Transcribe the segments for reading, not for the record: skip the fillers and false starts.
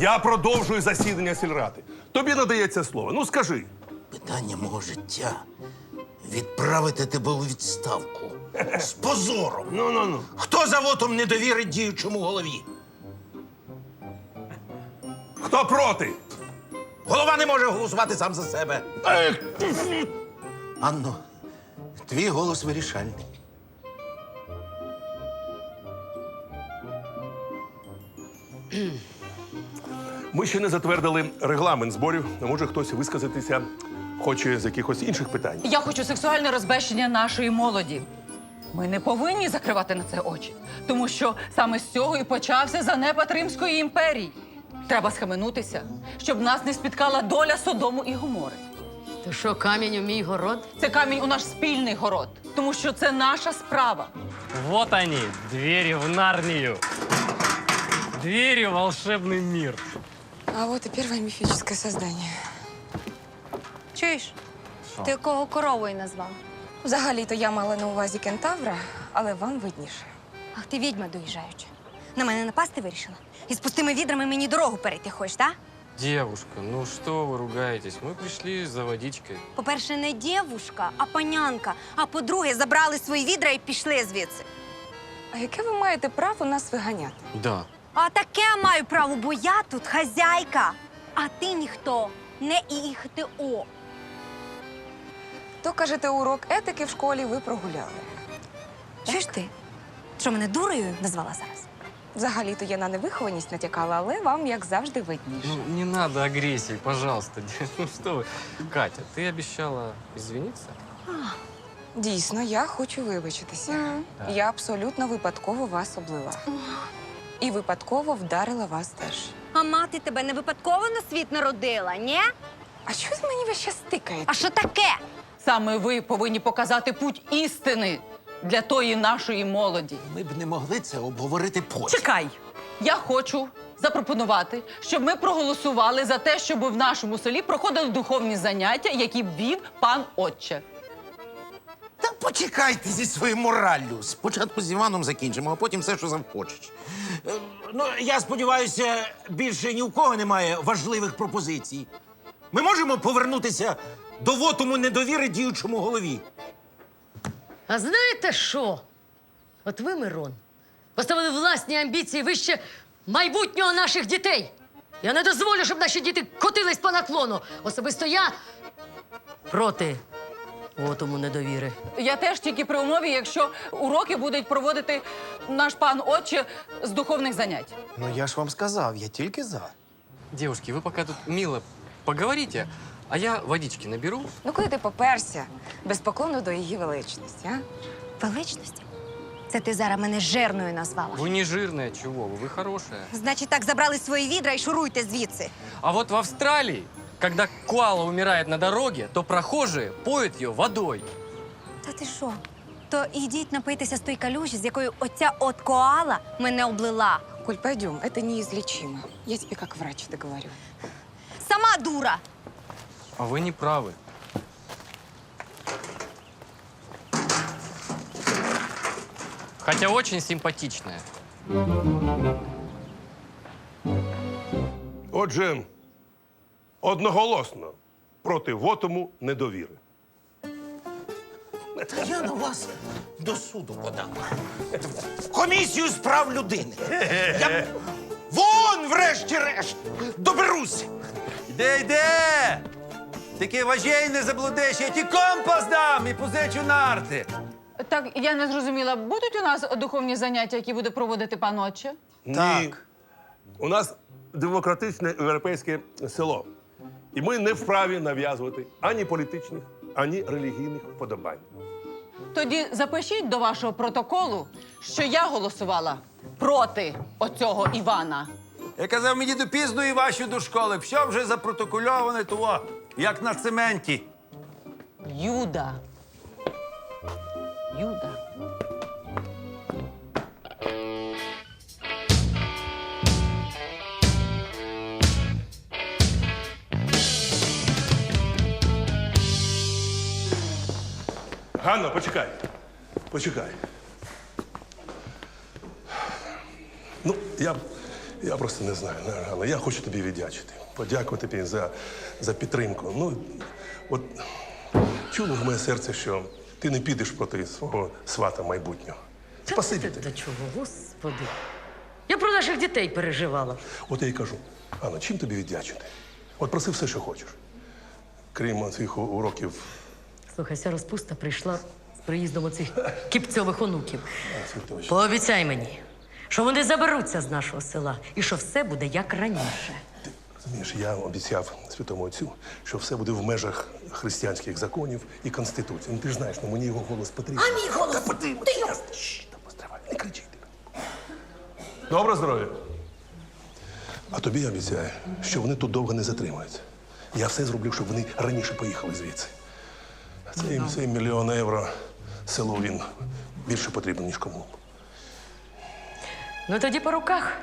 Я продовжую засідання сільради. Тобі надається слово. Ну, скажи. Питання мого життя – відправити тебе у відставку. З позором. Ну. Хто за вотом недовіри діючому голові? Хто проти? Голова не може голосувати сам за себе. Анно, твій голос вирішальний. Ми ще не затвердили регламент зборів. А може хтось висказатися хоче з якихось інших питань. Я хочу сексуальне розбещення нашої молоді. Ми не повинні закривати на це очі, тому що саме з цього і почався занепад Римської імперії. Треба схаменутися, щоб нас не спіткала доля Содому і Гомори. То що, камінь у мій город? Це камінь у наш спільний город, тому що це наша справа. Вот они, двери в Нарнию. Двери в волшебный мир. А вот и первое мифическое создание. Чуєш? Ти якого коровою назвав? Взагалі-то я мала на увазі кентавра, але вам видніше. Ах, ти відьма доїжджаюча. На мене напасти вирішила? І з пустими відрами мені дорогу перейти хочеш, так? Девушка, ну что вы ругаетесь? Мы пришли за водичкой. По-перше, не дівушка, а панянка. А по-друге, забрали свої відра і пішли звідси. А яке ви маєте право нас виганяти? Да. А таке маю право, бо я тут хазяйка. А ти ніхто, не ІХТО. То, кажете, урок етики в школі ви прогуляли. Чуєш ти? Що, мене дурою назвала зараз? Взагалі-то я на невихованість натякала, але вам, як завжди, видніше. Ну, не надо агрессии, пожалуйста. Ну что вы. Катя, ты обещала извиниться? Дійсно, я хочу вибачитися. Я абсолютно випадково вас облила. І випадково вдарила вас теж. А мати тебе не випадково на світ народила, ні? А щось мені ви ще стикаєте? А що таке? Саме ви повинні показати путь істини для тої нашої молоді. Ми б не могли це обговорити потім. Чекай! Я хочу запропонувати, щоб ми проголосували за те, щоб в нашому селі проходили духовні заняття, які б вів пан отче. Та почекайте зі своєю мораллю. Спочатку з Іваном закінчимо, а потім все, що захочеш. Ну, я сподіваюся, більше ні в кого немає важливих пропозицій. Ми можемо повернутися до вотуму недовіри діючому голові. А знаєте що? От ви, Мирон, поставили власні амбіції вище майбутнього наших дітей. Я не дозволю, щоб наші діти котились по наклону. Особисто я проти вотуму недовіри. Я теж тільки при умові, якщо уроки будуть проводити наш пан отче з духовних занять. Ну я ж вам сказав, я тільки за. Девушки, вы пока тут мило поговорите, а я водички наберу. Ну, куди ти поперся? Без поклону до її величності, а? Величності? Це ти зараз мене жирною назвала. Вы не жирная, чего вы хорошая. Значить, так забрали свої відра і шуруйте звідси. А вот в Австралии, когда коала умирает на дороге, то прохожие поют ее водой. Та ти що? То ідіть напитися з той калюжі, з якою оця от коала мене облила. Коль, пойдем, это неизлечимо. Я тебе как врач это говорю. Сама дура! А вы не правы. Хотя очень симпатичная. Отже, одноголосно проти вотуму недовіри. Та я на вас до суду подам. Комісію з прав людини. Я вон, врешті-решт, доберуся. Йде! Тільки важей не заблудиш, я ті компас дам і позичу нарти. Так, я не зрозуміла, будуть у нас духовні заняття, які буде проводити пан отче? Ні. Так. У нас демократичне європейське село. І ми не вправі нав'язувати ані політичних, ані релігійних вподобань. Тоді запишіть до вашого протоколу, що я голосувала проти оцього Івана. Я казав, мені до пізної вашої до школи. Все вже запротокольоване, того, як на цементі. Юда. Юда. Ганна, почекай. Почекай. Ну, Я просто не знаю, Ганна, я хочу тобі віддячити. Подякувати тобі за підтримку. Ну, от чуло в моє серце, що ти не підеш проти свого свата майбутнього. Спасибі тобі. До чого, господи? Я про наших дітей переживала. От я й кажу, Анна, чим тобі віддячити? От проси все, що хочеш. Крім цих уроків. Слухай, ця розпуста прийшла з приїздом оцих кіпцьових онуків. Світович. Пообіцяй мені, що вони заберуться з нашого села і що все буде як раніше. Розумієш, я обіцяв святому отцю, що все буде в межах християнських законів і конституції. Ну ти ж знаєш, ну мені його голос потрібен. А мій голос? Та потрібен. Та постривай, не кричи. Добре здоров'я. А тобі я обіцяю, що вони тут довго не затримаються. Я все зроблю, щоб вони раніше поїхали звідси. Цей мільйон євро селу він більше потрібен, ніж кому. Ну тоді по руках.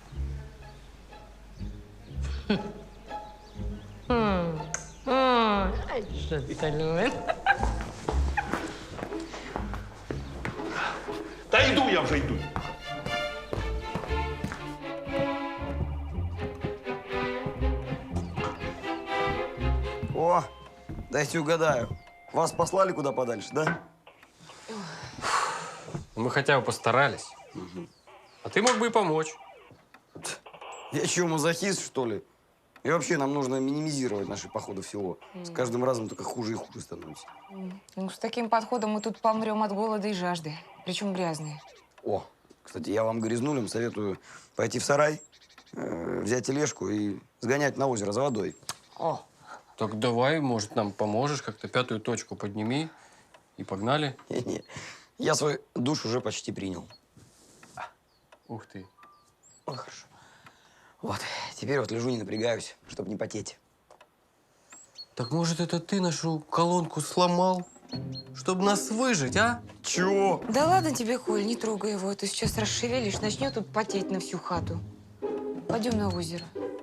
Ай, що ти любиш? Та йду я вже йду. О, дайте угадаю. Вас послали куда подальше, да? Мы хотя бы постарались. А ты мог бы и помочь. Я что, мазохист, что ли? И вообще, нам нужно минимизировать наши походы в село. С каждым разом только хуже и хуже становится. Ну, с таким подходом мы тут помрем от голода и жажды. Причем грязные. О, кстати, я вам, грязнулям, советую пойти в сарай, взять тележку и сгонять на озеро за водой. О. Так давай, может, нам поможешь, как-то 5-ю точку подними и погнали. Не-не, я свой душ уже почти принял. Ух ты. Ой, хорошо. Вот, теперь вот лежу, не напрягаюсь, чтобы не потеть. Так может, это ты нашу колонку сломал, чтобы нас выжить, а? Чего? Да ладно тебе, Коль, не трогай его. Ты сейчас расшевелишь, начнет тут потеть на всю хату. Пойдем на озеро.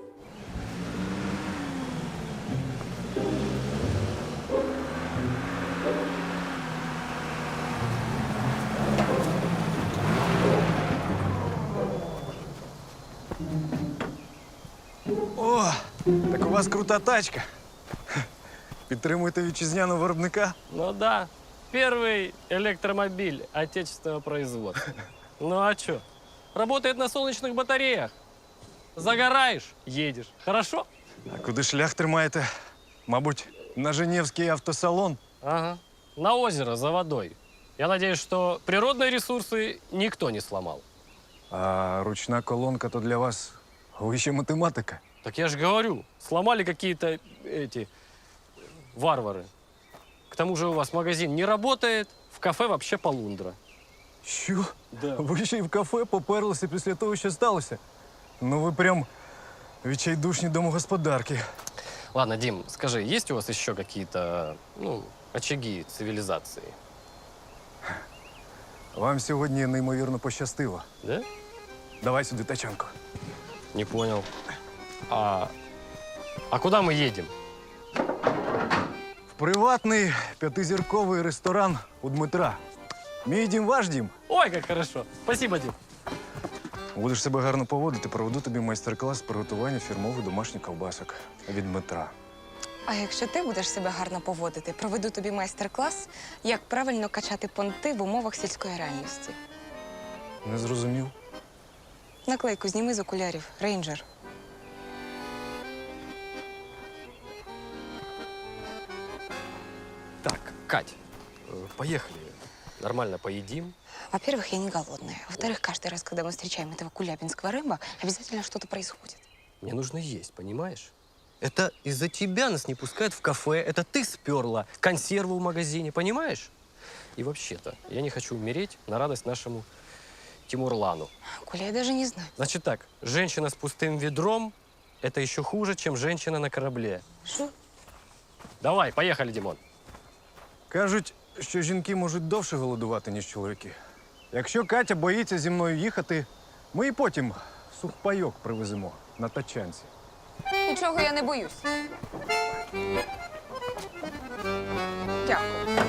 О, так у вас крута тачка. Підтримуєте вітчизняного виробника? Ну да, первый электромобиль отечественного производства. Ну а чё? Работает на солнечных батареях. Загораешь, едешь. Хорошо? А куди шлях тримаєте? Мабуть, на Женевський автосалон? Ага. На озеро за водой. Я надеюсь, что природные ресурсы никто не сломал. А ручна колонка то для вас вища математика. Так я же говорю, сломали какие-то эти варвары. К тому же у вас магазин не работает, в кафе вообще полундра. Що? Да. Ви ще й в кафе поперлися після того, що сталося? Ну ви прям відчайдушні домогосподарки. Ладно, Дим, скажи, есть у вас еще какие-то, очаги цивилизации? Вам сьогодні неймовірно пощастило. Да? Давай сюди тачанку. Не понял. А куда мы едем? В приватний 5-зірковий ресторан у Дмитра. Мій дім, ваш дім. Ой, как хорошо. Спасибо, Дим. Будеш себе гарно поводити, проведу тобі майстер-клас з приготування фірмових домашніх ковбасок від Дмитра. А якщо ти будеш себе гарно поводити, проведу тобі майстер-клас, як правильно качати понти в умовах сільської реальності. Не зрозумів? Наклейку зніми з окулярів. Рейнджер. Так, Кать, поехали. Нормально поедим. Во-первых, я не голодная. Во-вторых, каждый раз, когда мы встречаем этого кулябинского рыба, обязательно что-то происходит. Мне нужно есть, понимаешь? Это из-за тебя нас не пускают в кафе. Это ты сперла консерву в магазине, понимаешь? И вообще-то, я не хочу умереть на радость нашему Тимурлану. Коля, я даже не знаю. Значит так, женщина с пустым ведром – это еще хуже, чем женщина на корабле. Что? Давай, поехали, Димон. Кажуть, що жінки можуть довше голодувати, ніж чоловіки. Якщо Катя боїться зі мною їхати, ми і потім сухпайок привеземо на тачанці. Нічого я не боюсь. Дякую.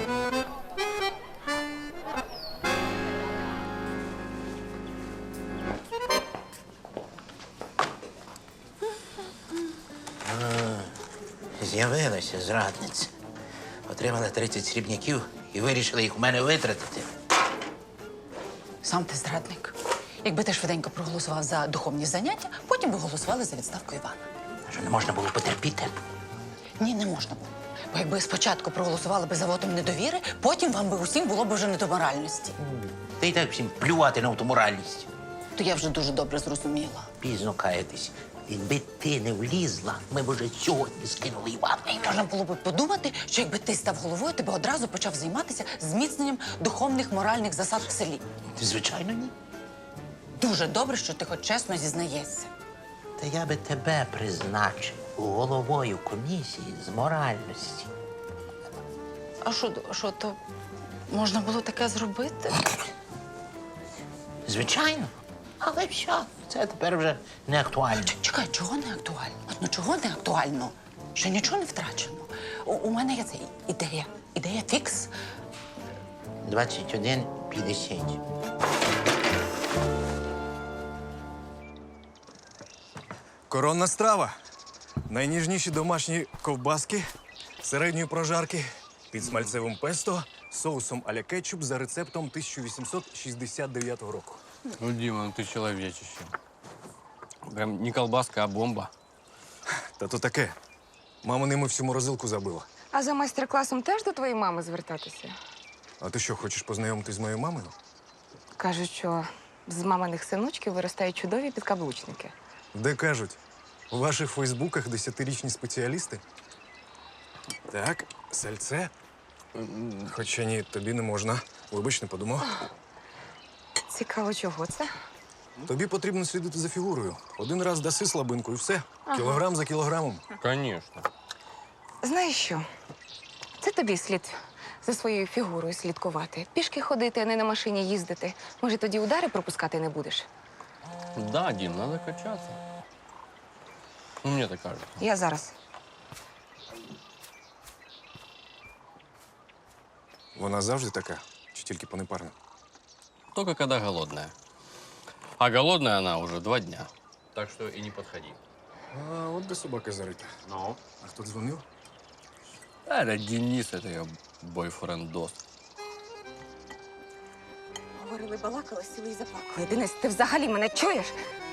З'явилася зрадниця. Отримала 30 срібняків і вирішила їх у мене витратити. Сам ти зрадник. Якби ти швиденько проголосував за духовні заняття, потім би голосували за відставку Івана. Що не можна було потерпіти? Ні, не можна було. Бо якби спочатку проголосували би за вотом недовіри, потім вам би усім було б вже не до моральності. Та й так всім плювати на ту моральність. То я вже дуже добре зрозуміла. Пізно каятись. Якби ти не влізла, ми б уже сьогодні скинули Івана. Можна було б подумати, що якби ти став головою, ти б одразу почав займатися зміцненням духовних моральних засад в селі. Звичайно, ні. Дуже добре, що ти хоч чесно зізнаєшся. Та я би тебе призначив головою комісії з моральності. А що, то можна було таке зробити? Звичайно. Але що? Це тепер вже не актуально. Чекай, чого не актуально? Ну чого не актуально? Ще нічого не втрачено. У мене є ця ідея. Ідея фікс. 21:50. Коронна страва. Найніжніші домашні ковбаски середньої прожарки під смальцевим песто, соусом а-ля кетчуп за рецептом 1869 року. Ну, Дима, ну ты человечище. Прям не колбаска, а бомба. Та то таке. Мама ними всю морозилку забила. А за майстер-класом теж до твоєї мами звертатися? А ти що, хочеш познайомитись з моєю мамою? Кажуть, що з маминих синочків виростають чудові підкаблучники. Де кажуть? У ваших фейсбуках 10-річні спеціалісти? Так, сальце. Хоча ні, тобі не можна. Вибач, не подумав. Цікаво, чого це? Тобі потрібно слідити за фігурою. Один раз даси слабинку і все. Кілограм за кілограмом. Конечно. Знаєш що? Це тобі слід за своєю фігурою слідкувати. Пішки ходити, а не на машині їздити. Може, тоді удари пропускати не будеш? Да, Дим, надо качаться. Ну, мне так кажется. Я зараз. Вона завжди така, чи тільки понепарна? Только когда голодная. А голодная она уже 2 дня. Так что и не подходи. А от де собака зарита. Ну? А хто дзвонив? Это Денис, это ее бойфренд-дос. Говорили, балакали, сіли і заплакали. Денис, ти взагалі мене чуєш?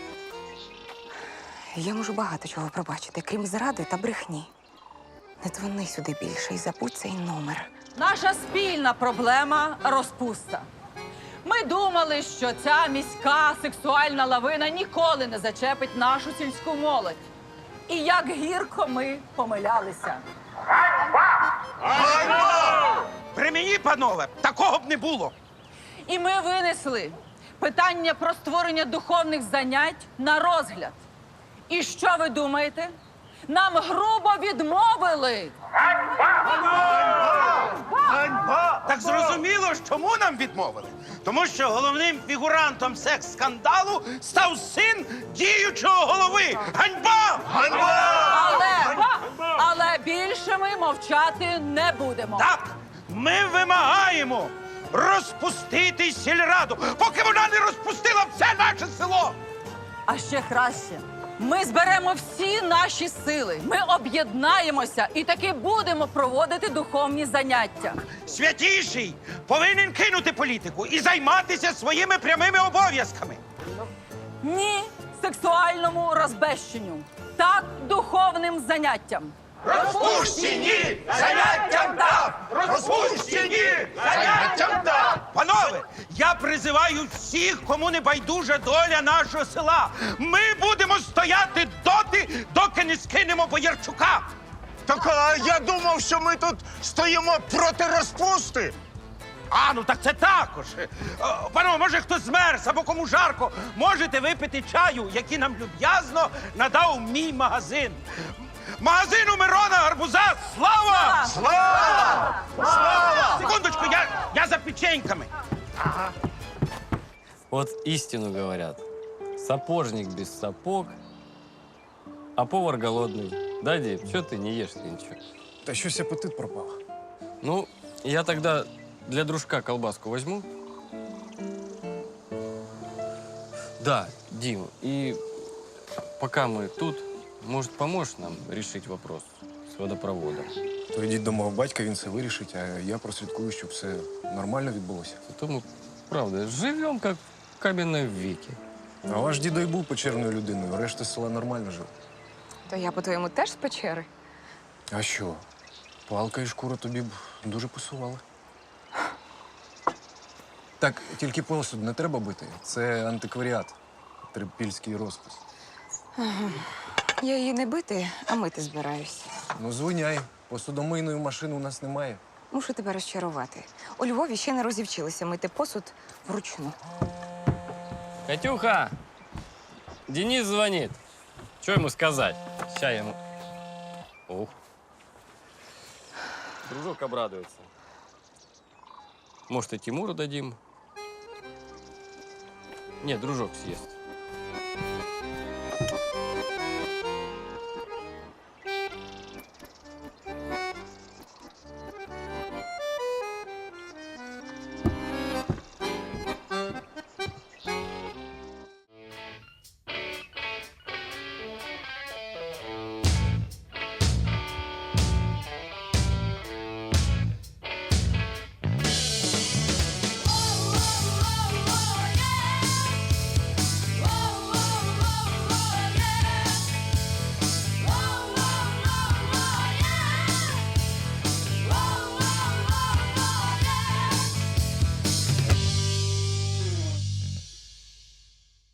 Я можу багато чого пробачити, крім зради та брехні. Не дзвони сюди більше і забудь цей номер. Наша спільна проблема – розпуста. Ми думали, що ця міська сексуальна лавина ніколи не зачепить нашу сільську молодь. І як гірко ми помилялися. При мені, панове, такого б не було. І ми винесли питання про створення духовних занять на розгляд. І що ви думаєте? Нам грубо відмовили. Так зрозуміло, чому нам відмовили? Тому що головним фігурантом секс-скандалу став син діючого голови. Ганьба! Ганьба! Але більше ми мовчати не будемо. Так, ми вимагаємо розпустити сільраду, поки вона не розпустила все наше село. А ще краще. Ми зберемо всі наші сили. Ми об'єднаємося і таки будемо проводити духовні заняття. Святіший повинен кинути політику і займатися своїми прямими обов'язками. Ні сексуальному розбещенню. Так духовним заняттям. Розпущені! Заняттям так! Розпущені! Заняттям так! Панове, я призиваю всіх, кому не байдужа доля нашого села. Ми будемо стояти доти, доки не скинемо Боярчука. Так я думав, що ми тут стоїмо проти розпусти. А, ну так це також. Панове, може хтось змерз або кому жарко, можете випити чаю, який нам люб'язно надав мій магазин. Магазину Мирона Гарбуза слава! Слава! Слава! Секундочку, я за печеньками. Вот истину говорят. Сапожник без сапог, а повар голодный. Да, Дим, что ты не ешь ничего? Та щось апетит пропав. Ну, я тогда для дружка колбаску возьму. Да, Дим, и пока мы тут, может, поможешь нам решить вопрос с водопроводом. То йдіть до мого батька, він це вирішить, а я прослідкую, щоб все нормально відбулося. Зато мы, правда, живем как в каменном веке. А ваш дідо й був печерною людиною, решта села нормально жив. То я, по-твоєму, теж з печери? А що? Палка і шкура тобі б дуже пасували. Так, тільки посуд не треба бити. Це антикваріат. Трипільський розпис. Я її не бити, а мити збираюсь. Ну, звиняй. Посудомийної машини у нас немає. Мушу тебе розчарувати. У Львові ще не розівчилися мити посуд вручну. Катюха! Денис звонит. Что ему сказать? Сейчас я ему... Ух. Дружок обрадуется. Может, и Тимуру дадим? Нет, дружок съест.